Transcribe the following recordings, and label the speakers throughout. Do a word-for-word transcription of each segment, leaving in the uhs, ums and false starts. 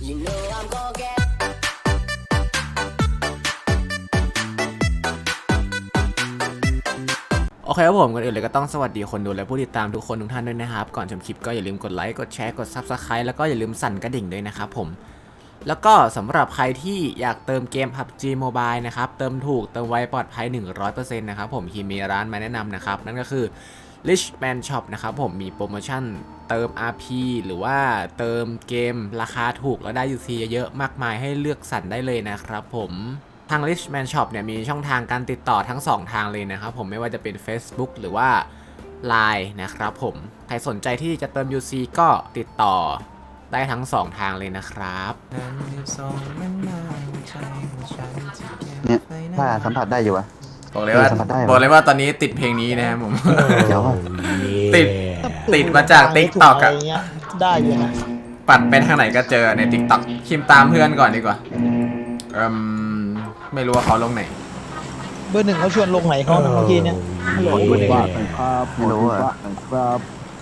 Speaker 1: You know I'm gonna getโอเคครับผมก่อนอื่นเลยก็ต้องสวัสดีคนดูและผู้ติดตามทุกคนทุกท่านด้วยนะครับก่อนชมคลิปก็อย่าลืมกดไลค์กดแชร์กด ซับสไครบ์ แล้วก็อย่าลืมสั่นกระดิ่งด้วยนะครับผมแล้วก็สำหรับใครที่อยากเติมเกม พับจี Mobile นะครับเติมถูกเติมไวปลอดภัย หนึ่งร้อยเปอร์เซ็นต์ นะครับผมที่มีร้านมาแนะนำนะครับนั่นก็คือ Richman Shop นะครับผมมีโปรโมชั่นเติม อาร์ พี หรือว่าเติมเกมราคาถูกแล้วได้ ยู ซี เยอะมากมายให้เลือกสรรได้เลยนะครับผมทาง Richman Shop เนี่ยมีช่องทางการติดต่อทั้งสองทางเลยนะครับผมไม่ว่าจะเป็น Facebook หรือว่า ไลน์ นะครับผมใครสนใจที่จะเติม ยู ซี ก็ติดต่อได้ทั้งสองทางเลยนะครับ
Speaker 2: เนี่ยถ้าสัมผัสได้อยู่อะ
Speaker 1: บอกเลยว่าบอกเลยว่าตอนนี้ติดเพลงนี้นะครับผม
Speaker 2: เดี๋ยว
Speaker 1: ติดติดมาจาก TikTok อ่ะ
Speaker 3: ได้อยู่นะ
Speaker 1: ปัดไปทางไหนก็เจอใน TikTok คิมตามเพื่อนก่อนดีกว่าเอ่มไม่รู้ว่าเขาลงไหน
Speaker 3: เบอร์หนึ่งเขาชวนลงไหนเขาเมื่อกี้เนี่ยฮัลโหลเบอร์หนึ่ง
Speaker 2: ครับไม่รู้อะ
Speaker 4: ครับ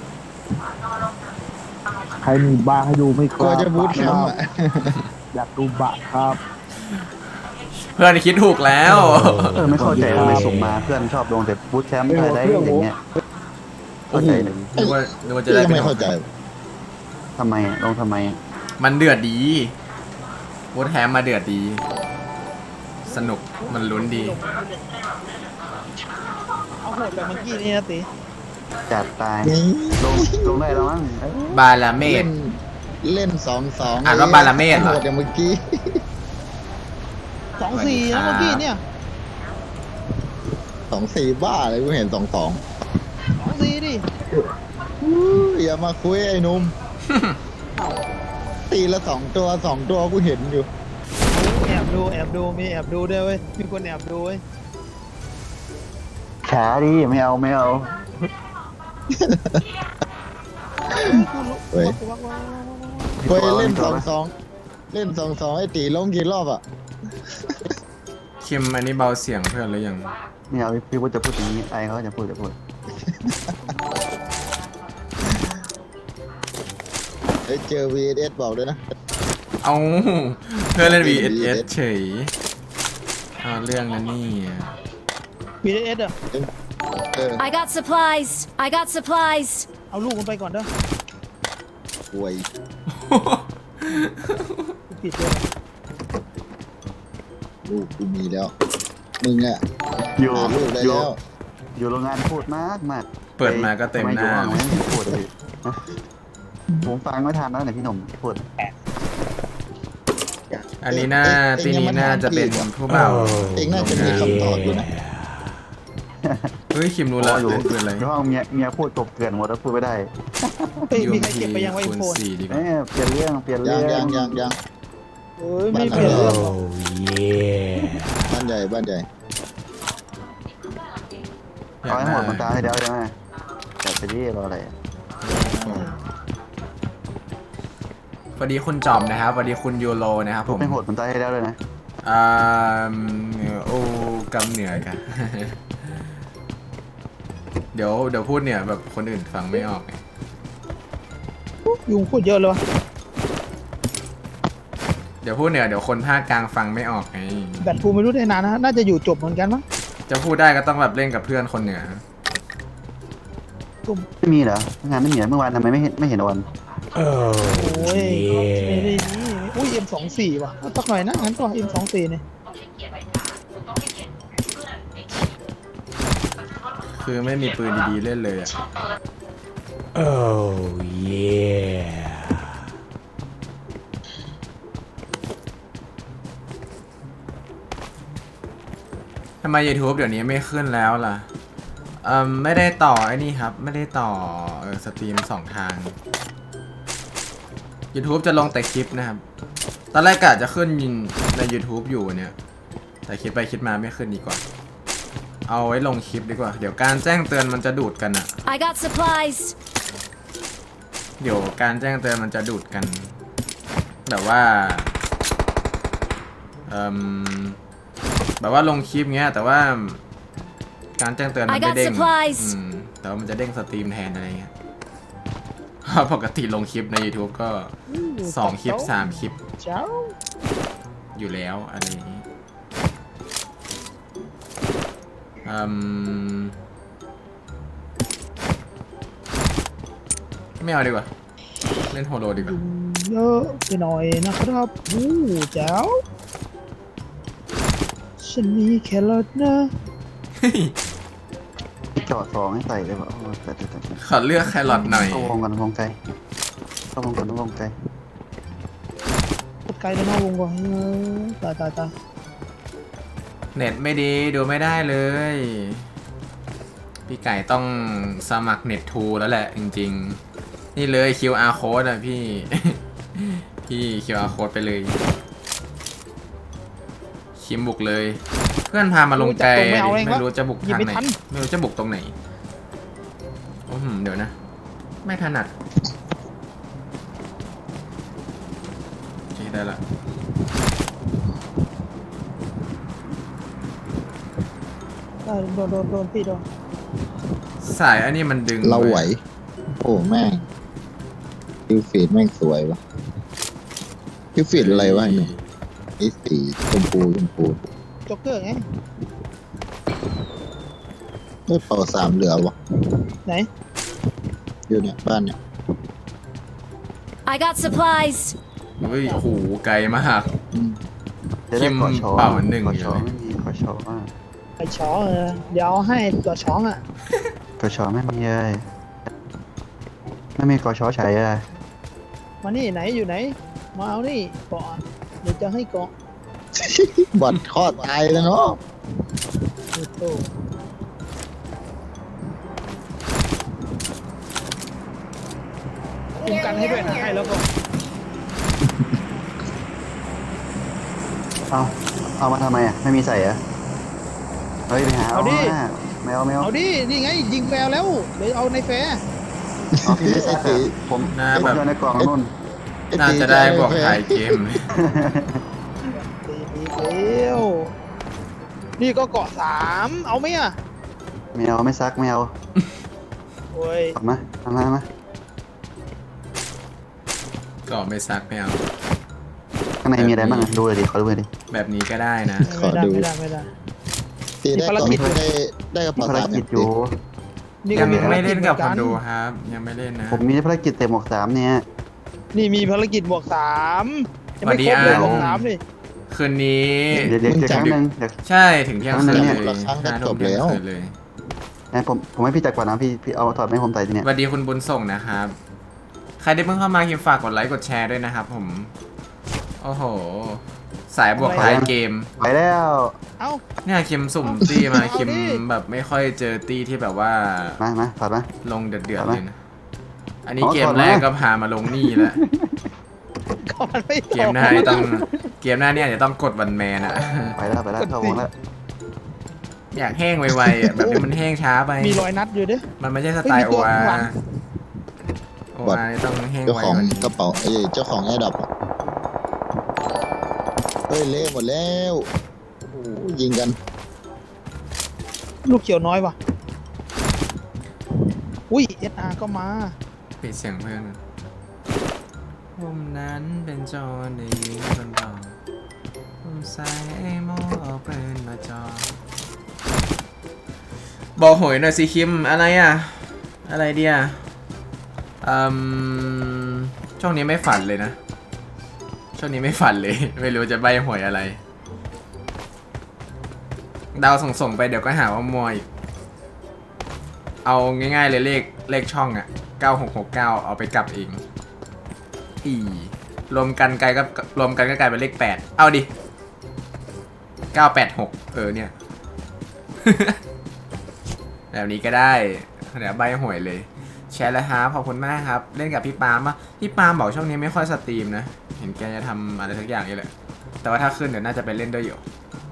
Speaker 4: ใครมีบ้าให้ดูไม่ค
Speaker 3: กลัว
Speaker 4: รับ
Speaker 3: จะบูทแคมป์อ่ะ
Speaker 4: อยากดูบะครับ
Speaker 1: เพื่อนคิดถูกแล้ว
Speaker 2: เออไม่เข้าใจทำไมส่งมาเพื่อนชอบลงแต่บูทแชมป์ไทยได้อย่างเงี้ยเข้าใจหนึ่ง
Speaker 1: นึกว่านึกว่าจะได้
Speaker 3: ไม่เข้าใจ
Speaker 2: ทำไมลงทำไม
Speaker 1: มันเดือดดีวูดแฮมมาเดือดดีสนุกมันลุ้นดี
Speaker 3: เอาโหดแบบเมื่อกี้นี่นะติ
Speaker 2: จัดตายลงลงได้แล้วมั้ง
Speaker 1: บาลาเมด
Speaker 3: เล่นสองสอง
Speaker 1: อ่านว่าบาลาเมดเหรอ
Speaker 3: โหดอย่างเมื่อกี้สองสี่นะเมื่อกี้เนี่ยสองสี่บ้าเลยกูเห็นสองสองสองสี่ดิอย่ามาคุยไอ้นุ่มตีละสองตัวสองตัวกูเห็นอยู่แอบดูแอบดูมีแอบดูด้วยเว้ยมีคนแอบดูเว้ย
Speaker 2: ช้าดิไม่เอาไม่เอา
Speaker 3: เฮ้ยเฮ้ยเล่นสองสองเล่นสองสองไอ้ตีลงกี่รอบอ่ะ
Speaker 1: คิมอันนี้เบาเสียงเพื่อนหรือยัง
Speaker 2: ไม่เอาพี่พูดจะพูดอย่างนี้ไอเขาจะพูดจะพูด
Speaker 3: ไอ้เจอ วี เอส บอกด้วยนะ
Speaker 1: เอาเพื่อนเล่น วี เอส เฉยเอาเรื่องนั้นนี่
Speaker 3: วี เอส อ่ะ
Speaker 5: I got supplies I got supplies
Speaker 3: เอาลูกมันไปก่อนเด้อป่วยผิดเลยลูกกูมีแล้วมึงอ่ะ
Speaker 2: อยู่
Speaker 3: ลูกได้แล้ว
Speaker 2: อยู่โรงงานพูดมากมาก
Speaker 1: เปิดมาก็เต็มหน้า
Speaker 2: พูดเลยผมฟังไม่ทันแล้วเนี่ยพี่หนุ่มพูด
Speaker 1: อันนี้น่าที่นี้น่าจะเป็นผู้เบา
Speaker 3: เองน่าจะมีคำตอบอยู่นะ
Speaker 1: เฮ้ยคิมรู้แล้ว
Speaker 2: อยู่
Speaker 1: เป็นอะไร
Speaker 2: ห้องเมียเมียพูดกบเกลื่อนหมดแล้วพูดไม่ได้
Speaker 3: มีใครเก็บไปยังไว้โฟน
Speaker 2: เอ้ยเปลี่ยนเรื่องเปลี่ยนเรื่อง
Speaker 3: ยังยังยังเฮ้ยไม่เปลี่ยนเรื่องบ้านใหญ่บ้านใหญ่
Speaker 2: เอาให้หมดมันตาให้เดียวใช่ไหมแต่ไปที่รออะไร
Speaker 1: พอดีคุณจอมนะครับพอดีคุณยูโรนะครับผม
Speaker 2: ไม่โหดมันตาให้เดียวเลยนะ
Speaker 1: อ่าโอ้กำเหนื่อยกันเดี๋ยวเดี๋ยวพูดเนี่ยแบบคนอื่นฟังไม่ออกไง
Speaker 3: ยุงพูดเยอะเลยวะ
Speaker 1: เดี๋ยวพูดเนี่ยเดี๋ยวคนภาคกลางฟังไม่ออกไง
Speaker 3: แบตกูไม่รู้ได้นานนะน่าจะอยู่จบเหมือนกันมั้ง
Speaker 1: จะพูดได้ก็ต้องแบบเล่นกับเพื่อนคนเหนือ
Speaker 2: ไม่มีเหรองานไม่มีเมื่อวานทำไมไม่เห็นไม่เห็นวัน
Speaker 3: โอ้ยไม่ได้นี่อุ้ย เอ็ม สองสิบ ว่ะสักหน่อยนะงั้นก็ เอ็ม สองสิบ เนี่ย
Speaker 1: คือไม่มีปืนดีๆเล่นเลยอ่ะ
Speaker 4: โอ้เย่
Speaker 1: ทำไม YouTube เดี๋ยวนี้ไม่ขึ้นแล้วล่ะเอ่อไม่ได้ต่อไอ้นี่ครับไม่ได้ต่อเออสตรีมสองทาง YouTube จะลงแต่คลิปนะครับตอนแรกกะจะขึ้นใน YouTube อยู่เนี่ยแต่คิดไปคิดมาไม่ขึ้นดีกว่าเอาไว้ลงคลิปดีกว่าเดี๋ยวการแจ้งเตือนมันจะดูดกันอะ
Speaker 5: I got supplies
Speaker 1: เดี๋ยวการแจ้งเตือนมันจะดูดกันแบบว่าเอ่อแบบว่าลงคลิปเงี้ยแต่ว่าการแจ้งเตือนมันไม่เด้งแต่ว่ามันจะเด้งสตรีมแทนอะไรเงี้ยเพราะปกติลงคลิปใน YouTube ก็สองคลิปสามคลิป
Speaker 4: เจ้า
Speaker 1: อยู่แล้วอะไรอย่างนี้อืมไม่เอาดีกว่า เล่นโฮโลดีกว่า
Speaker 4: เยอะไปหน่อยนะครับอู้เจ้าฉันมีแครอทนะ
Speaker 2: เจาะสองให้ใส่เลยว่ะโอ้แต่แต่แต่
Speaker 1: ขอเลือกแครอทหน่อย
Speaker 2: เข้าวงกันวงไกลเข้าวงกันวงไกล
Speaker 4: กดไกลแล้วนอกวงก่อนเออตายตายตาย
Speaker 1: เน็ตไม่ดีดูไม่ได้เลย พี่ไก่ต้องสมัครเน็ตทูแล้วแหละจริงๆ นี่เลย คิว อาร์ code อ่ะพี่ พี่ คิว อาร์ code ไปเลยคิมบุกเลย เพื่อนพามาลงไกลไม่รู้จะบุกทางไหนไม่รู้จะบุกตรงไหนโอ้โหเดี๋ยวนะ ไม่ถนัดโอเคได้ละ
Speaker 4: ได้โดนโดนโดนตีโดน
Speaker 1: สายอันนี้มันดึง
Speaker 3: เราไหว โอ้แม่งคิวฟีดแม่งสวยวะคิวฟีดอะไรวะไอ้หนุ่มไอ้สีชมพูชมพู
Speaker 4: จ็อกเกอร์ไง
Speaker 3: ไม่เป่าสามเหลือวะ
Speaker 4: ไหน
Speaker 3: อยู่เนี่ยบ้านเนี่ย
Speaker 5: I got supplies.
Speaker 1: เฮ้ยโอ้โหไกลมาก
Speaker 3: อืม
Speaker 2: จะได้กอชอ
Speaker 1: เป่าหนึ่ง
Speaker 2: กอชอไม่มีกอชอมาก
Speaker 4: ไอช้อเออเดี๋ยวเอาให้ตัวช้องอ่ะ
Speaker 2: กอชอไม่มีเลยไม่มีกอชอใช้เลย
Speaker 4: มานี่ไหนอยู่ไหน มาเอานี่เกาะเดี๋ยวจะให้เกาะ
Speaker 3: บอดข้อตายแล้วเนาะ
Speaker 4: โอ้โหคุมกันให้ด้วยนะให้แล้วก็
Speaker 2: เอาเอามาทำไมอ่ะไม่มีใส่เหรอเฮ้ยไปหาเอามาแมวแมว
Speaker 4: เอาดิ นี่ไง ยิงแฟร์แล้วเดี๋ยวเอาในแฟร์
Speaker 2: เอาพี่ไม่ใส่อะผม
Speaker 1: น่า
Speaker 2: ผม
Speaker 1: แบบ
Speaker 2: โยนในกล่องนู่น
Speaker 3: ไอ้
Speaker 1: น่า
Speaker 3: ตี
Speaker 1: จะได้บอก
Speaker 3: แพ้
Speaker 1: ถ่ายเกมเลย
Speaker 4: ตีดีเดียวนี่ก็เกาะสามเอาไหมอ่ะ
Speaker 2: แมวไม่ซักแมว
Speaker 4: โอ้ย
Speaker 2: ออกมาทำมามา
Speaker 1: ก็ไม่ซักไม่เอา
Speaker 2: ข้างในมีอะไรบ้างอะดูเลยดิขอดูเลยดิ
Speaker 1: แบบนี้ก็ได้นะ
Speaker 3: ขอ
Speaker 4: ไม่ได้
Speaker 3: ดู
Speaker 4: ไม่ได้ไม่ได้
Speaker 3: ตีได้
Speaker 4: มีภาร
Speaker 3: ก่อน
Speaker 4: กิจ
Speaker 3: ได้ได้กระ
Speaker 2: มี
Speaker 3: เป๋า
Speaker 2: ภาร
Speaker 3: สาม
Speaker 2: กิจอยู่
Speaker 4: นี่
Speaker 1: ยั
Speaker 4: ก็
Speaker 1: ง
Speaker 4: มีภาร
Speaker 1: ไม่
Speaker 4: กิ
Speaker 1: เล่
Speaker 4: จ
Speaker 1: น
Speaker 4: เหมื
Speaker 1: กับ
Speaker 4: อน
Speaker 1: ค
Speaker 4: กัน น
Speaker 1: ดูครับ ยังไม่เล่นนะ
Speaker 2: ผมมีภารกิจเต็มหมวกสามเนี่ย
Speaker 4: นี่มีภารกิจบวกสามยังไม่
Speaker 1: สวัสดี
Speaker 4: ครบเลย
Speaker 1: อ่ะ
Speaker 4: บวกสามดิ
Speaker 1: คืนนี้
Speaker 2: เดี๋ยวเดี๋ยวเดี๋ยวครั้งหนึ่งเดี๋ยว
Speaker 1: ใช่ถึงเที่ยงคืน
Speaker 2: เนี่ย
Speaker 1: เลยห้าทุ่มเที่ยงคืนเลย
Speaker 2: นะผมผมให้พี่จัดก่อนนะพี่พี่เอาถอดไม่ผมใส่ทีเนี่ย
Speaker 1: สวัสดีคุณบุญส่งนะครับ ใครได้เพิ่งเข้ามาคิมฝากกดไลค์กดแชร์ด้วยนะครับผม โอ้โห สายบวกท้ายเกม
Speaker 2: ไปแล้ว
Speaker 4: เอ้า
Speaker 1: เนี่ยคิมสุ่มตี้มา
Speaker 4: เอาดิ
Speaker 1: คิมแบบไม่ค่อยเจอตี้ที่แบบว่า
Speaker 2: มามาถอดมา
Speaker 1: ลงเดือดๆ
Speaker 2: เอาไหม
Speaker 1: เลยนะ อันนี้
Speaker 2: อ๋อ
Speaker 1: เกม
Speaker 2: ก่อน
Speaker 1: แรก
Speaker 2: นะ
Speaker 1: ก็พามาลงนี่แล้ว
Speaker 4: ก่อนไม่
Speaker 1: เกมหน้านี่ต้อง เกมหน้านี่อาจจะต้องกดวันแมนอะ
Speaker 2: ไปแล้วไปแล้วเข้าวงแล้ว
Speaker 1: อยากแห้งไวๆอะแบบนี้มันแห้งช้าไป
Speaker 4: มีรอยนัดอยู่ดิ
Speaker 1: มันไม่ใช่สไตล์
Speaker 4: เฮ้
Speaker 1: โอย
Speaker 4: มีตัว
Speaker 1: อา
Speaker 4: ข้างหลัง
Speaker 1: โออาต้องแห้ง
Speaker 3: เจ้า
Speaker 1: ไว
Speaker 3: ของ
Speaker 1: กว่านี้
Speaker 3: กระเป๋าเอ้ยเจ้าของแอร์ดับเฮ้ยเละหมดแล้วโอ้โหยิงกัน
Speaker 4: ลูกเขียวน้อยว่ะอุ้ยเอสอาร์ก็มา
Speaker 1: ปิดเสียงเพื่อนผมนั้นเป็นโจรได้ยิงคนต่อผมใส่ไอ้โม่เอาปืนมาจอบอกหวยหน่อยสิคิมอะไรอ่ะ อะไรเดียอืมช่วงนี้ไม่ฝันเลยนะ ช่วงนี้ไม่ฝันเลย ไม่รู้จะใบหวยอะไร ดาวส่งๆไปเดี๋ยวก็หาว่ามวย เอาง่ายๆเลยเลขเลขช่องอะเก้าหกหกเก้าเอาไปกลับเองอีรวมกันกลายก็รวมกันก็กลายเป็นเลขแปดเอาดิเก้าแปดหกเออเนี่ย แบบนี้ก็ได้เดี๋ยวใบหวยเลย แชร์แล้วครับขอบคุณมากครับ เล่นกับพี่ปาล์มปะพี่ปาล์มบอกช่วงนี้ไม่ค่อยสตรีมนะ เห็นแกจะทำอะไรสักอย่างนี่แหละ แต่ว่าถ้าขึ้นเดี๋ยวน่าจะไปเล่นด้วยอยู่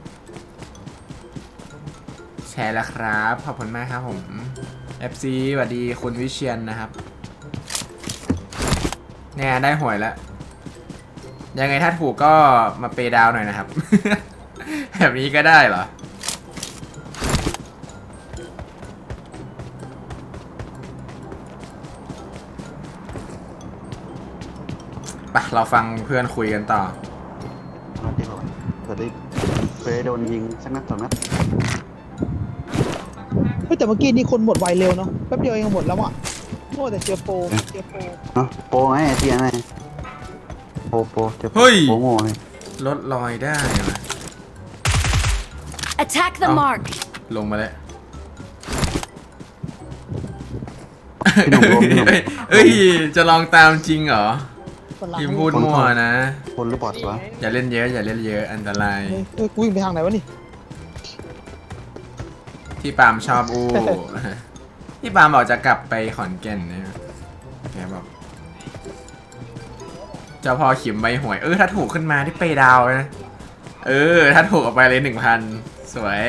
Speaker 1: แชร์แล้วครับขอบคุณมากครับผม เอฟ ซี สวัสดีคุณวิเชียนนะครับเนี่ยได้หวยแล้ว ยังไงถ้าถูกก็มาเปย์ดาวหน่อยนะครับ แบบนี้ก็ได้เหรอไปเราฟังเพื่อนคุยกันต่อ
Speaker 2: มาที่เราเผื่อได้เผื่อได้โดนยิงสักนัดสองนัด
Speaker 4: เฮ้ยแต่เมื่อกี้นี่คนหมดไวเร็วเนาะแป๊บเดียวเองหมดแล้วอ่ะโอ้แต่เจอโปรเจอโปร
Speaker 2: เนาะโปรไงไอ้เทียนไงโปรโปรเจอโปร
Speaker 1: เฮ้ย
Speaker 2: โปรโง่ไง
Speaker 1: ลดรอยได้ว่ะ
Speaker 5: Attack the
Speaker 1: Oh.
Speaker 5: mark.
Speaker 1: ลงมาแล้ว
Speaker 2: พี่หนุ่มลมพี่หนุ่ม
Speaker 1: เอ้ยเอ้ย จะลองตามจริงเหรอ
Speaker 4: คนหลัง
Speaker 1: พิมพ์พูดมั่วนะ
Speaker 2: คนหรือบอทวะ
Speaker 1: อย่าเล่นเยอะ อย่าเล่นเยอะ อันตราย
Speaker 4: เฮ้ยเฮ้ยกูวิ่งไปทางไหนวะนี่
Speaker 1: ที่ปาล์มชอบอู้ ที่ปาล์มบอกจะกลับไปขอนแก่นเนี่ยแกบอกเจ้าพ่อขิมใบหวย เออ ถ้าถูกขึ้นมาที่เปย์ดาวนะ เออ ถ้าถูกออกไปเลยหนึ่งพันสวย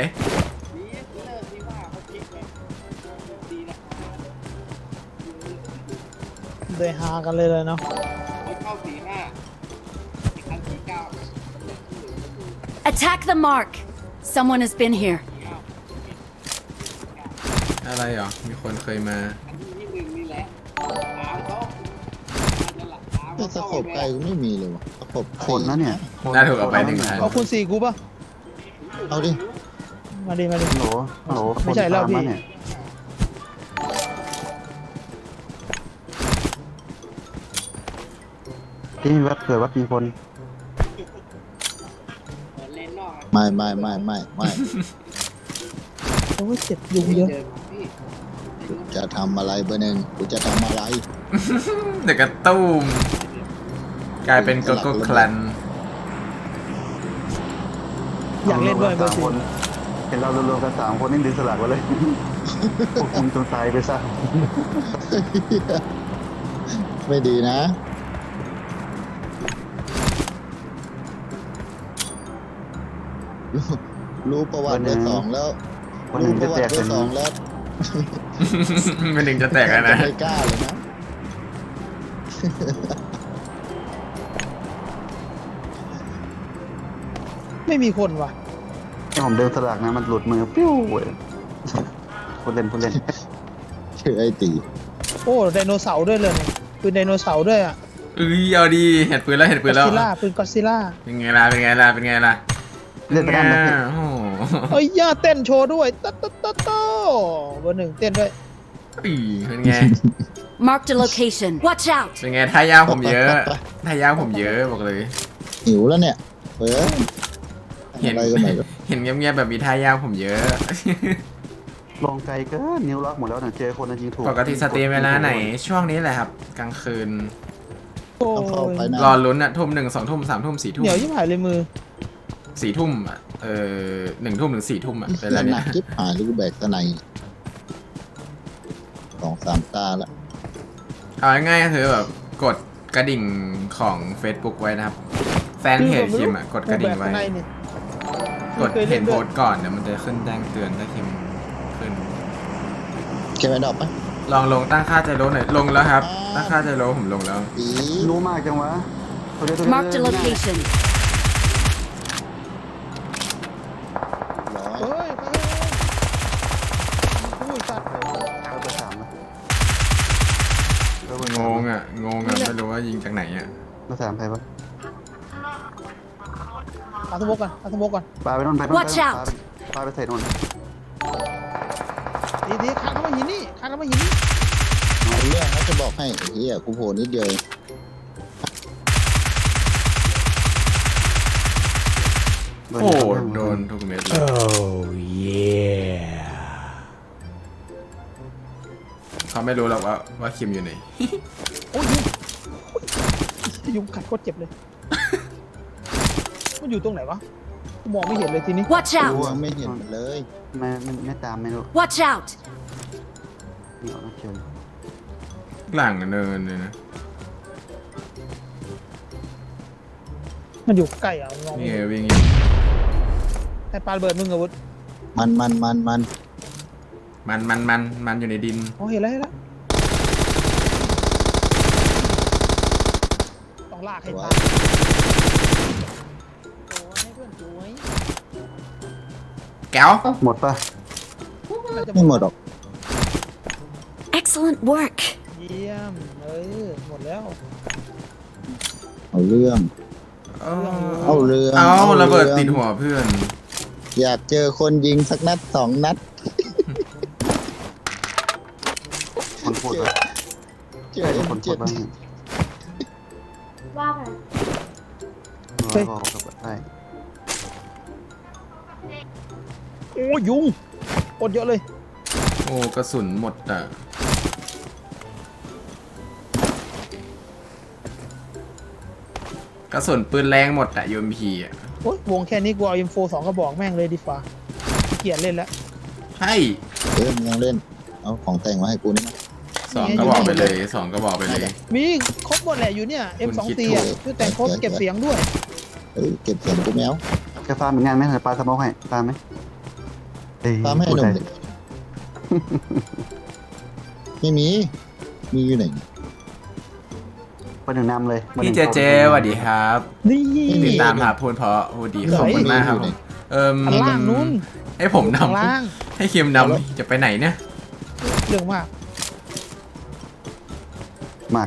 Speaker 4: เลยฮากันเลยเลยเนาะ
Speaker 5: Attack the mark. Someone has been here.
Speaker 1: อะไรเหรอ มีคนเคยมา
Speaker 3: แต่สกบไกลกูไม่มีเลยวะสกบ
Speaker 2: คนนะเนี่ย
Speaker 1: น่าถูกเอาไปหนึ่งพัน
Speaker 4: เอาคุณสี่กูป่ะ
Speaker 3: เอาดิ
Speaker 4: มาดิมาดิ
Speaker 2: ฮัลโหลฮัลโหล
Speaker 4: ไม่ใช่แล้วพี่
Speaker 2: คนตามมาเนี่ยที่วัดเผื่อวัดมีคน
Speaker 3: ไม่ไม่ไม่ไม่ไม่
Speaker 4: โอ้ยเจ็บยุงเยอะ
Speaker 3: กูจะทำอะไรเบอร์หนึ่งกูจะทำอะไร
Speaker 1: เด็กกระตุ้มกลายเป็นโกโก้คลัน
Speaker 4: อยากเล่นด้วยเบอร์
Speaker 2: สาม
Speaker 4: สี่
Speaker 2: คนเห็นเรารวมๆกันสามคนนี่ดึงสลักไว้เลยพวกคุณจนตายไปซะ
Speaker 3: ไม่ดีนะ รู้รู้ประวัติเบอร์สองแล้ว
Speaker 2: คนหนึ่
Speaker 3: รู้
Speaker 2: ง
Speaker 3: ป
Speaker 2: จะ
Speaker 3: ระวั
Speaker 2: แต
Speaker 3: ติ
Speaker 2: ก
Speaker 3: เบอ
Speaker 2: เป็น
Speaker 3: ร์สองแล้ว
Speaker 1: ไม่หนึ่งจะแตกแล้วนะ
Speaker 3: ไม่กล้าเลยนะ
Speaker 4: ไม่มีคนว่ะ
Speaker 2: ที่ผมเดินสลักนะมันหลุดมือปิ้วเว้ยคนเล่นคนเล่น
Speaker 3: ชื่อไอ้ตี
Speaker 4: โอ้ไดโนเสาร์ด้วยเลยเนี่ยปืนไดโนเสาร์ด้วยอ่ะ
Speaker 1: เอ้ยเอาดีเห็ดปืนแล้วเห็ดปื
Speaker 4: ก็
Speaker 1: นแล้ว
Speaker 4: ซิล่าปืนก็ซิล่า
Speaker 1: เป็นไงล่ะเป็นไงล่ะเป็นไงล่ะ
Speaker 2: เล่นไปด้านนั้น
Speaker 1: โอ้โห
Speaker 4: เอ้ยย่าเต้นโชว์ด้วยตัดตัดตัดตัดเบอร์หนึ่งเต้นด้วย
Speaker 1: อีเป็นไง
Speaker 5: Marked a location. Watch out.
Speaker 1: เป็นไงท่ายากผมเยอะท่ายากผมเยอะบอกเลย
Speaker 3: หิวแล้วเนี่ยเออ
Speaker 1: เห็น
Speaker 3: อะไรก็ไม่รู้
Speaker 1: เห็นเงียบๆแบบมีท่ายากผมเยอะ
Speaker 2: ลงไกลเกินนิ้วล็อกหมดแล้วนะเจอคนนั้นยิงถูก
Speaker 1: ปกติสตรีมเวลาไหนช่วงนี้แหละครับ กลางคืน
Speaker 4: โอ้
Speaker 3: ต้องเข้าย ไปนะ
Speaker 1: รอลุ้นอะทุ่มหนึ่งสองทุ่มสามทุ่มสี่ทุ่
Speaker 4: เห
Speaker 1: ม
Speaker 4: นียวยิ่งหายเลยมือ
Speaker 1: สี่ทุ่มอะเออหนึ่งทุ่มถึงสี่ทุ่มอะ
Speaker 3: ไอ้
Speaker 1: เว
Speaker 3: เหี้
Speaker 1: ลาย
Speaker 3: ห
Speaker 1: เนี้
Speaker 3: นั
Speaker 1: ย
Speaker 3: กจิ๊บหายหรือกูแบกตะไนสองสามตาละ
Speaker 1: เอาง่ายๆก็คือแบบกดกระดิ่งของ Facebook ไว้นะครับ แฟนเพจคิมอะกดกระดิ่งไว้
Speaker 4: แบบข้าในนี่
Speaker 1: กดเห็นโพสต์ก่อนเดี๋ยวมันจะขึ้นแจ้งเตือนถ้าคิมขึ้น
Speaker 3: เก็บไว้ดอกปะ
Speaker 1: ลองลงตั้งค่าใจโลหน่อยลงแล้วครับ ตั้งค่าใจโลผมลงแล้ว
Speaker 3: อี
Speaker 2: รู้มากจังวะตัวเดียวตัวเดียว
Speaker 5: Marked a location.
Speaker 3: ร้อย
Speaker 4: เฮ้ยไปเฮ้ยโอ้ยสัตว์
Speaker 2: เอาไปสามนะเอาไป
Speaker 1: ง
Speaker 2: สาม
Speaker 1: งอ่ะงงอ่ะไม่รู้ว่ายิงจากไหนอ่ะ
Speaker 2: มาสามใครวะ
Speaker 4: เอาสมกก่อนเอาสมกก่อน
Speaker 2: ปลาไปโน่นไปโน่น
Speaker 5: Watch
Speaker 2: ปลา
Speaker 5: out
Speaker 2: ไปปลาไปใส่โน่น
Speaker 4: ดีดีคานเข้ามาหินนี่คานเข้ามาหินนี่
Speaker 3: เอาเรื่องเขาจะบอกให้ไอ้เฮียกูโผล่นิดเดียวเอง
Speaker 2: เบอร์
Speaker 1: โอ้
Speaker 2: หนึ่ง
Speaker 1: โดนทุกเม็ดเลย
Speaker 6: Oh yeah.
Speaker 1: เขาไม่รู้หรอกว่าว่าคิมอยู่ไหน
Speaker 4: โอ้ยยุงยุงกัดโคตรเจ็บเลย มันอยู่ตรงไหนวะกูมองไม่เห็นเลยทีนี้
Speaker 5: Watch
Speaker 3: กู
Speaker 5: out.
Speaker 3: ไม่เห็นเลย
Speaker 2: ไม่ไม่ไม่ตามไม่รู้
Speaker 5: Watch out.
Speaker 2: นี่เอาเชิญ
Speaker 1: หลังเนินเลยนะ
Speaker 4: มันอยู่ใกล้อ่ะมองไม่
Speaker 1: นี่ไง
Speaker 4: เห็น
Speaker 1: วิ่งอยู่
Speaker 4: ไอ้ปลาระเบิดมึงอาวุธ
Speaker 3: มันมันมันมัน
Speaker 1: มันมันมันมันอยู่ในดิน
Speaker 4: อ๋อเห็นแล้วเห็นแล้วต้องลากให้ตายโอ้ให้เพื่อนสวย
Speaker 1: แก้ว
Speaker 2: หมดปะ
Speaker 4: น่าจะ
Speaker 3: ไม่หมดหรอก
Speaker 5: Excellent work.
Speaker 4: เยี่ยมเออหมดแล้ว
Speaker 3: เอาเรื่อง
Speaker 1: เอา
Speaker 3: เอาเรื่อง
Speaker 1: เอา
Speaker 3: เอาเรื่อง
Speaker 1: ระเบิดติดหัวเพื่อน
Speaker 3: อยากเจอคนยิงสักนัดสองนัด
Speaker 2: คนพูดว่า
Speaker 3: เจอ
Speaker 2: ใคร
Speaker 3: เอ็
Speaker 2: เป็น
Speaker 3: ม
Speaker 2: คนพู
Speaker 3: เจ็
Speaker 2: ด
Speaker 3: ด
Speaker 2: บ้าง
Speaker 5: ว่าไง
Speaker 2: เราบอกกับได้
Speaker 4: โอ้ยยุงอดเยอะเลย
Speaker 1: โอ้กระสุนหมดอ่ะกระสุนปืนแรงหมดอ่ะยูเอ็มพีอ่ะ
Speaker 4: โอ้ยวงแค่นี้กูเอา เอ็ม โฟร์ สองกระบอกแม่งเลยดีฟ้าขี้เกียจเล่นแล้ว
Speaker 1: ใช่
Speaker 3: เออมึงยังเล่น เอาของแต่งมาให้กูนี่มั้ย
Speaker 1: สองกระบอกไปเลยสองกระบอกไปเลย
Speaker 4: มีครบหมดแหละอยู่เนี่ย เอ็ม สอง ซี
Speaker 1: คุณคิด
Speaker 4: อ่ะ
Speaker 1: ถูก
Speaker 4: คือแต่งครบเก็บเสียงด้วย
Speaker 3: เฮ้ยเก็บเสียงกูแมว
Speaker 2: จะฟาร์มเป็นงานไหมเดี๋ยวปลาสโมกให้ฟาร์มไหมเอ้ย
Speaker 3: ตามให้หนุ่มดิไม่มี มีอยู่ไหน
Speaker 2: ประหนึ่งนำเลย
Speaker 1: พี่เจเจสวัสดีครับ
Speaker 4: นี่
Speaker 1: ติดตามหาพูนเพราะโอ้ดีขอบคุณมากครับผมเอิม
Speaker 4: อันล่างนู้น
Speaker 1: ให้ผม
Speaker 4: ข้าง
Speaker 1: นำ
Speaker 4: ล่าง
Speaker 1: ให้คิมนำจะไปไหนเนี่ย
Speaker 4: เรื่องมาก
Speaker 2: มาก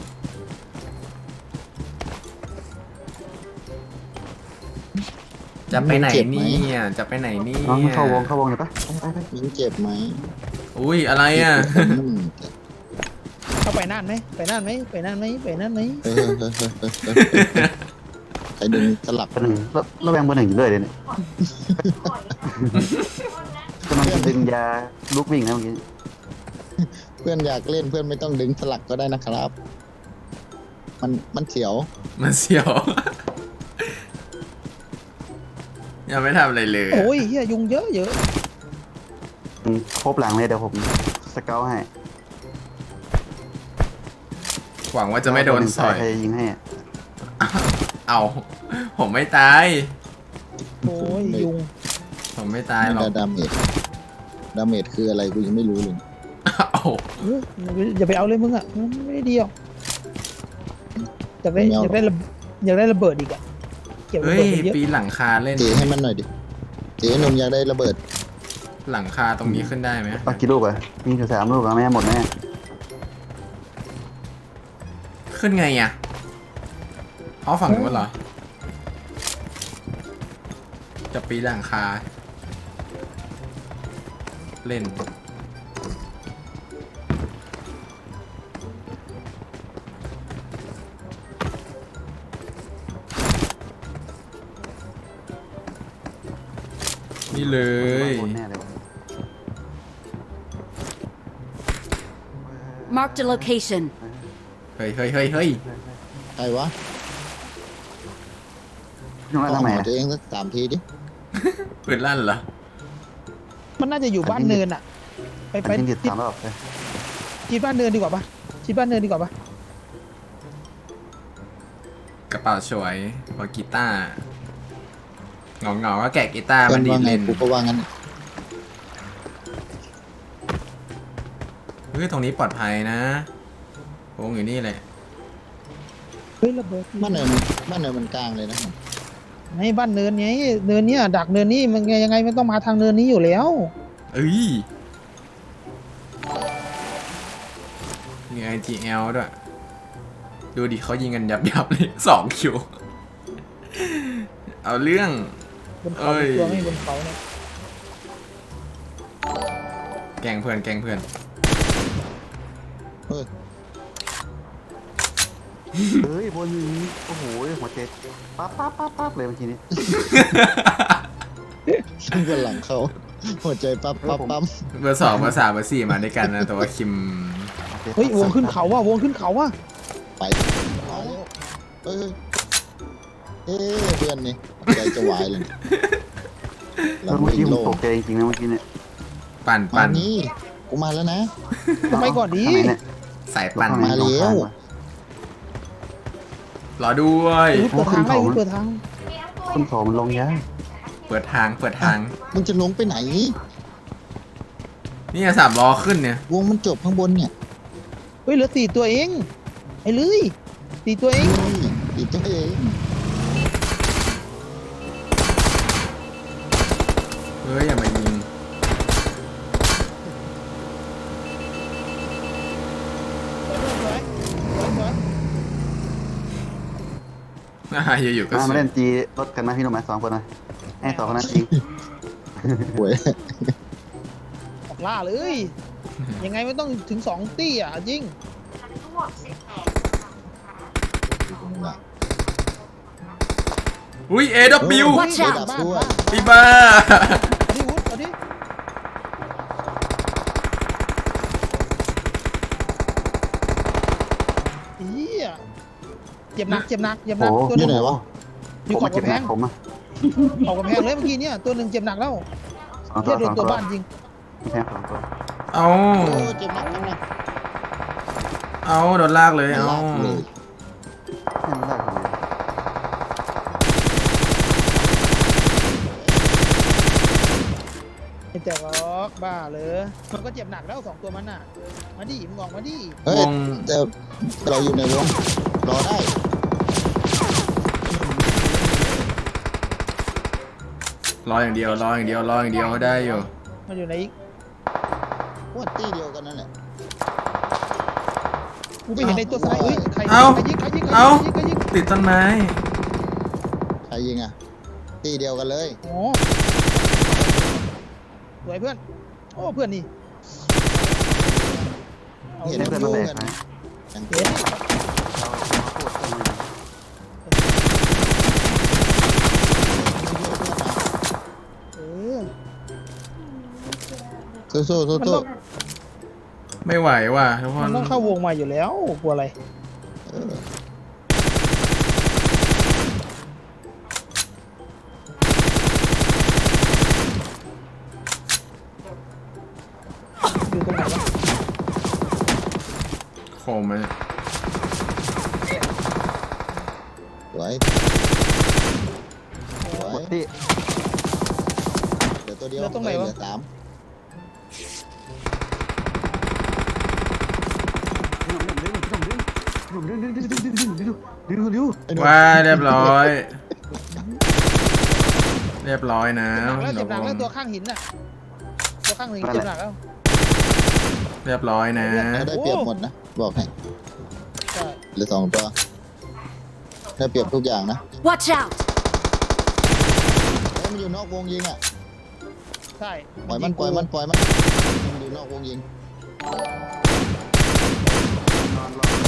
Speaker 1: จะไปไหนเนี่ยจะไปไหนเนี่
Speaker 2: น้อง
Speaker 1: ย
Speaker 2: เข้าวงเข้าวงเลยปะไปไปไป
Speaker 3: ยิงเจ็บไหม
Speaker 1: อุ้ยอะไรอ่ะ
Speaker 3: อืม
Speaker 4: เข้าไปนั่นไหมไปนั่นไหมไปนั่นไหมไปนั่นไหม
Speaker 3: เฮ้ยเฮ้ยเฮ้ยเฮ้ยเฮ้ยเฮ้ยใครดึงสลับ
Speaker 2: ประหนึ่งแล้วแล้วแบงเบอร์หนึ่งอยู่เลยเดี๋ยวนี้กำลังจะดึงยาลูกวิ่งนะเมื่อกี้
Speaker 3: เพื่อนอยากเล่นเพื่อนไม่ต้องดึงสลักก็ได้นะครับ มันมันเสียว
Speaker 1: มันเสียว ยังไม่ทำอะไรเลยอะ
Speaker 4: โอ้ยเฮียยุงเยอะเยอะ
Speaker 2: อืมครบหลังเลยเดี๋ยวผมสเกลให้
Speaker 1: หวังว่าจะไม่โดนสอย
Speaker 2: ใครยิงให้อะ
Speaker 1: เอา ผมไม่ตาย
Speaker 4: โอ้ยยุง
Speaker 1: ผมไม่ตาย
Speaker 3: ไม่
Speaker 1: หรอก
Speaker 3: ได้ดาเมจดาเมจคืออะไรกูยังไม่รู้เลย
Speaker 1: เอา
Speaker 4: เอออย่าไปเอาเลยมึงอ่ะมันไม่ได้เดียวอยากได้อยากได้ระอยากได้ระเบิดอีกอ่ะเก็บระ
Speaker 1: เฮ้ย
Speaker 4: เบิดไปเยอะ
Speaker 1: ปีนหลังคาเล่น
Speaker 3: เจให้มันหน่อยดิ เจหนุ่มอยากได้ระเบิด
Speaker 1: หลังคาตรงนี้ขึ้นได้ไหม
Speaker 2: ปักกี่ลูกอะมีอยู่สามลูกอะแม่หมดแน่
Speaker 1: ขึ้นไงอ่ะเอาฝั่งนู้นเหรอ จะปีนหลังคา เล่น นี่เลย
Speaker 2: หมดแน่เลย
Speaker 5: Marked a location.
Speaker 1: เฮ้ยเฮ้ยเฮ้ยเฮ้ย
Speaker 3: ใครวะ
Speaker 2: ยุ่งแล้ว
Speaker 3: เอา
Speaker 2: ทำไม
Speaker 3: หัว
Speaker 2: อะ
Speaker 3: ตัวเองสักสามทีดิ
Speaker 1: ปืนลั่นเหรอ
Speaker 4: มันน่าจะอยู่บ้านเนินอ่ะ ไป
Speaker 2: อั
Speaker 4: ไป
Speaker 2: นนี้เด็ด
Speaker 4: ชิด
Speaker 2: สามรอบเลย
Speaker 4: ชิดบ้านเนินดีกว่าปะชิดบ้านเนินดีกว่าปะ
Speaker 1: กระเป๋าสวยพอกีตาร์เงาเงาๆก็แกะกีตาร์
Speaker 3: เพื่
Speaker 1: มั
Speaker 3: อน น
Speaker 1: ดี
Speaker 3: ว่า
Speaker 1: ด
Speaker 3: ไง
Speaker 1: เล่น
Speaker 3: กูก็ว่างั้น
Speaker 1: เฮ้ยตรงนี้ปลอดภัยนะวงอยู่นี่แหละ
Speaker 4: เฮ้ยระเบิด
Speaker 3: บ้านเนินบ้านเนินมันกลางเลยนะ
Speaker 4: ไงบ้านเนินไงเนินเนี้ยดักเนินนี้มันไงยังไงมันต้องมาทางเนินนี้อยู่แล้ว
Speaker 1: เอ้ยมี ไอ จี แอล ด้วย ดูดิเขายิงกันยับยับๆเลยสองคิว เอาเรื่อง
Speaker 4: บนเขา
Speaker 1: เอ้ย
Speaker 4: ตัวไม่บนเขาเนี่ย
Speaker 1: แกล้งเพื่อนแกล้งเพื่อน
Speaker 3: เฮ้ย
Speaker 2: เฮ้ยบนนี้โอ้โหหัวเจ็ดปั๊บปั๊บปั๊บปั๊บเลยเมื่อกี้นี้
Speaker 3: ขึ้นบนหลังเขาหัวใจปั๊บปั๊บปั๊บ
Speaker 1: เบอร์สองเบอร์สามเบอร์สี่มาด้วยกันนะ แต่ว่าคิม
Speaker 4: เฮ้ยวงขึ้นเขาว่ะวงขึ้นเขาว่ะ
Speaker 3: ไปเอาแล้วเอ้ยเอ้ยเพื่อนนี่ใจจะวายเลย
Speaker 2: เออเมื่อกี้ผมตกใจจริงๆนะเมื่อกี้เนี่ย
Speaker 1: ปั่น
Speaker 3: มา
Speaker 1: ปั่น
Speaker 3: นี่กูมาแล้วนะ
Speaker 4: ทำไมก่อนดี
Speaker 2: ข้างไหนเนี่ย
Speaker 1: สายปั่น
Speaker 3: มาแล้ว
Speaker 1: รอด้วย
Speaker 4: เปิดทางให้เปิดทาง
Speaker 2: ต้นสองมันลงยาก
Speaker 1: เปิดทางเปิดทาง
Speaker 3: มึงจะลงไปไหน
Speaker 1: นี่สามล้อขึ้นเนี่ย
Speaker 3: วงมันจบข้างบนเนี่ย
Speaker 4: เฮ้ยเหลือสี่ตัวเองไอ้เลยสี่ตัวเอง
Speaker 3: เฮ้ยอีกตัวเอง
Speaker 1: เฮ้ยอย่ามายิง
Speaker 4: สวยสวยสวย
Speaker 1: อ่าอยู่ๆก็
Speaker 2: มา
Speaker 1: ส
Speaker 2: มา
Speaker 1: วย
Speaker 2: เล่นจีรถกันนะพี่หนุ่มไหมสองคนนะให้สองคนนั้นจริง
Speaker 3: หวย
Speaker 4: ออกล่าเลย ยังไงไม่ต้องถึงสองตี้อ่ะจริง
Speaker 1: อุ้ย เอ ดับเบิลยู
Speaker 5: Watch out
Speaker 3: ดับด้วย
Speaker 1: ไอ้บ้า
Speaker 4: เอาดิวุฒเอาดิเฮียเจ็บหนักเจ็บหนักเจ็บหนัก
Speaker 2: โอ้
Speaker 4: ตัวห
Speaker 3: อยู่
Speaker 4: นึง
Speaker 3: ไหนวะ
Speaker 4: อยู่
Speaker 2: ผม
Speaker 4: ขอบ
Speaker 2: มาเก็บ
Speaker 4: กำแพ
Speaker 2: หนั
Speaker 4: ง
Speaker 2: กผมอะ
Speaker 4: ขอบกำแพงเลยเมื่อกี้เนี่ยตัวหนึ่งเจ็บหนักแล้ว
Speaker 2: สองตั
Speaker 4: เฮี
Speaker 2: วย
Speaker 4: โด
Speaker 2: สอน ง
Speaker 4: ตัว
Speaker 2: ตัว
Speaker 4: บ้านยิง
Speaker 2: แค่สองตัว
Speaker 1: เอา
Speaker 3: โอ้เจ็บหนักเจ็บหนัก
Speaker 1: เอาโดนลากเลย เอา
Speaker 3: ลากเลย
Speaker 2: ให้มันได้คนเดียว
Speaker 4: ไม่แตกหรอกบ้าเลยมันก็เจ็บหนักแล้วสองตัวมันน่ะมาดิมึงออกมาดิ
Speaker 3: เฮ้ยว
Speaker 1: ง
Speaker 3: แต่เราอยู่ในวงรอได้
Speaker 1: รออย่างเดียว รออย่างเดียว รออย่างเดียวได้อยู่
Speaker 4: มันอยู่ไหนอีก
Speaker 3: พวกตี้เดียวกันนั่นแหละ
Speaker 4: กูไปเห็นในตัวซ้ายเฮ้ยใคร
Speaker 1: เอ้า
Speaker 4: ใครยิงใครยิงใคร
Speaker 1: เอ้า
Speaker 4: ยิงใครยิง
Speaker 1: ติดต้นไม้
Speaker 3: ใครยิงอ่ะตี้เดียวกันเลย
Speaker 4: โอ้สวยเพื่อนโอ้เพื่อนนี่เอา
Speaker 3: เห็น
Speaker 4: เรื่อง
Speaker 2: เพื่อนมาแบก
Speaker 3: กัน
Speaker 2: ไหม
Speaker 3: ยัง
Speaker 4: เห็น
Speaker 2: เราเราพูดกันเลย
Speaker 4: เออ
Speaker 3: สู้สู้สู้
Speaker 4: มัน
Speaker 3: สู้
Speaker 4: ต้อง
Speaker 1: ไม่ไหวว่ะทุกค
Speaker 4: มัน
Speaker 1: น
Speaker 4: ต้องเข้าวงมาอยู่แล้วกลัวอะไร
Speaker 3: เออ
Speaker 4: อยู่ตรงไหนวะ
Speaker 1: โคมมัน
Speaker 3: สวยสว
Speaker 2: หม
Speaker 3: ย
Speaker 2: ดที่
Speaker 3: เหลือตัวเดียว
Speaker 4: เหลือตรงไหนวะ
Speaker 3: เหลือสาม
Speaker 2: ดึงดึงดึงดึงดึงดึงดึงดึงดึงดึงดึง
Speaker 3: ไอ้หนุ่ม
Speaker 1: ว่าเรียบร้อย เรียบร้อยนะ
Speaker 4: เจ็บหนักแล้วเจ็บหนักแล้วตัวข้างหินน่ะตัวข้างหินเจ็บหนักแล้ว
Speaker 1: เรียบร้อยนะ
Speaker 3: เราได้เปรียบหมดนะบอกให้
Speaker 4: ใช่
Speaker 3: เหลือสองตัวได้เปรียบทุกอย่างนะ
Speaker 5: Watch out!
Speaker 3: เฮ้ยมันอยู่นอกวงยิงอ่ะ
Speaker 4: ใช่
Speaker 3: ปล่อยมันปล่อยมันปล่อยมันมันอยู่นอกวงยิง
Speaker 2: นอนรอ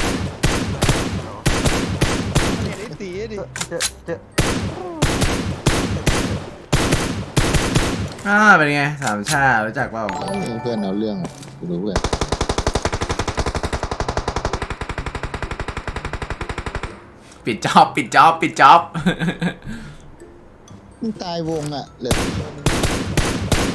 Speaker 4: เห็นไอ้ตีดิ
Speaker 2: เจอเจอ
Speaker 1: อ่า เป็นไง สามชา รู้จักเปล่า
Speaker 3: เฮ้ยเพื่อนเอาเรื่องกูรู้เพื่อน
Speaker 1: ปิดจ็อบ ปิดจ็อบ ปิดจ็อบ
Speaker 3: มึงตายวงอ่ะเหลือตัวเดียวมึง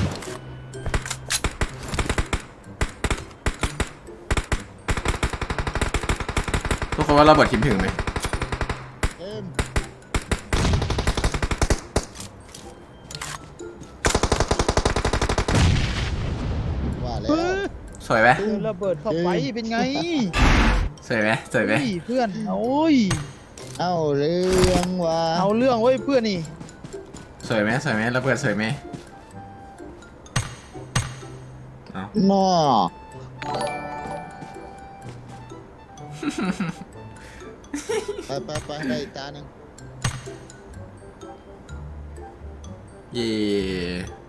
Speaker 1: ทุกคนว่าเราเบิดคิมถึงไหม
Speaker 3: เอ็มว่าแล้ว
Speaker 4: เออ
Speaker 1: สวยไหม
Speaker 4: เจอระเบิดเข้าไปเป็นไง
Speaker 1: สวยไหมสวยไหม
Speaker 4: เฮ้ยเพื่อนโอ้ย
Speaker 3: เอาเรื่องว่า
Speaker 4: เอาเรื่องเว้ยเพื่อนนี่
Speaker 1: สวยไหมสวยไหมเราเบิดสวยไหมเอา
Speaker 3: นอ ไปไปไปได้อีกตาหนึ่ง
Speaker 1: เย่